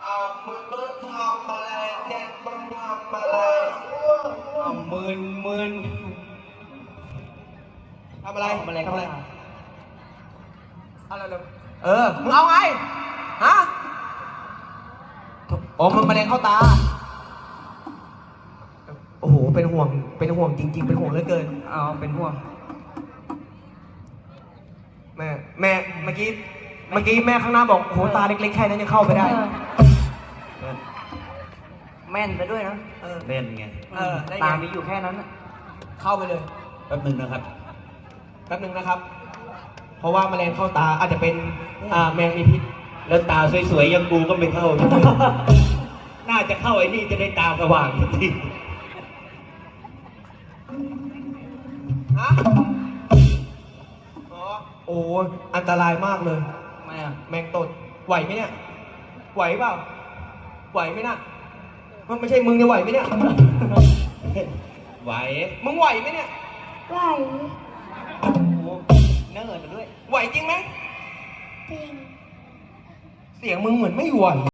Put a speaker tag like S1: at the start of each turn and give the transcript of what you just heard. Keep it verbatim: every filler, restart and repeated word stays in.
S1: อ่ามึงมึงทำอะไรเนี่ยมึงทำอะไรอ่ามึนมึนทำอะไรทำอะไรทำอะไรอะไรเลยเออมึงเอาไงฮะอ๋อมันแมลงเข้าตาโอ้โหเป็นห่วงเป็นห่วงจริงๆเป็นห่วงเหลือเกินเอาเป็นห่วงแม่แม่เมื่อกี้เมื่อกี้แม่ข้างหน้าบอกโหตาเล็กๆแค่นั้นยังเข้าไปได้
S2: แม่นไปด้วยนะ
S1: เออ
S3: เล่นไง
S1: เออได้ไง
S2: ตามีอยู่แค่นั้นน่ะ
S1: เข้าไปเลย
S3: แป๊บหนึงนะครับ
S1: แป๊บหนึงนะครับ เพราะว่าแมลงเข้าตาอาจจะเป็นอ่าแมงมีพิษ
S3: แล้วตาสวยๆอยังกูก็ไม่เข้า น่าจะเข้าไอ้นี่จะได้ตาสว่างที
S1: ฮะอ๋อโอ้อันตรายมากเลย
S2: ทำไมอ่ะ
S1: แมงตดไหวไหมเนี่ยไหวเปล่าไหวไหมน่ะมันไม่ใช่มึงจะไหวไหมเนี่ย
S3: ไหว
S1: มึงไหวไหมเนี่ย
S4: ไหว
S2: โอ้โหเนิ่นไปด้วย
S1: ไหวจริงไหม
S4: จริง
S1: เสียงมึงเหมือนไม่ไหว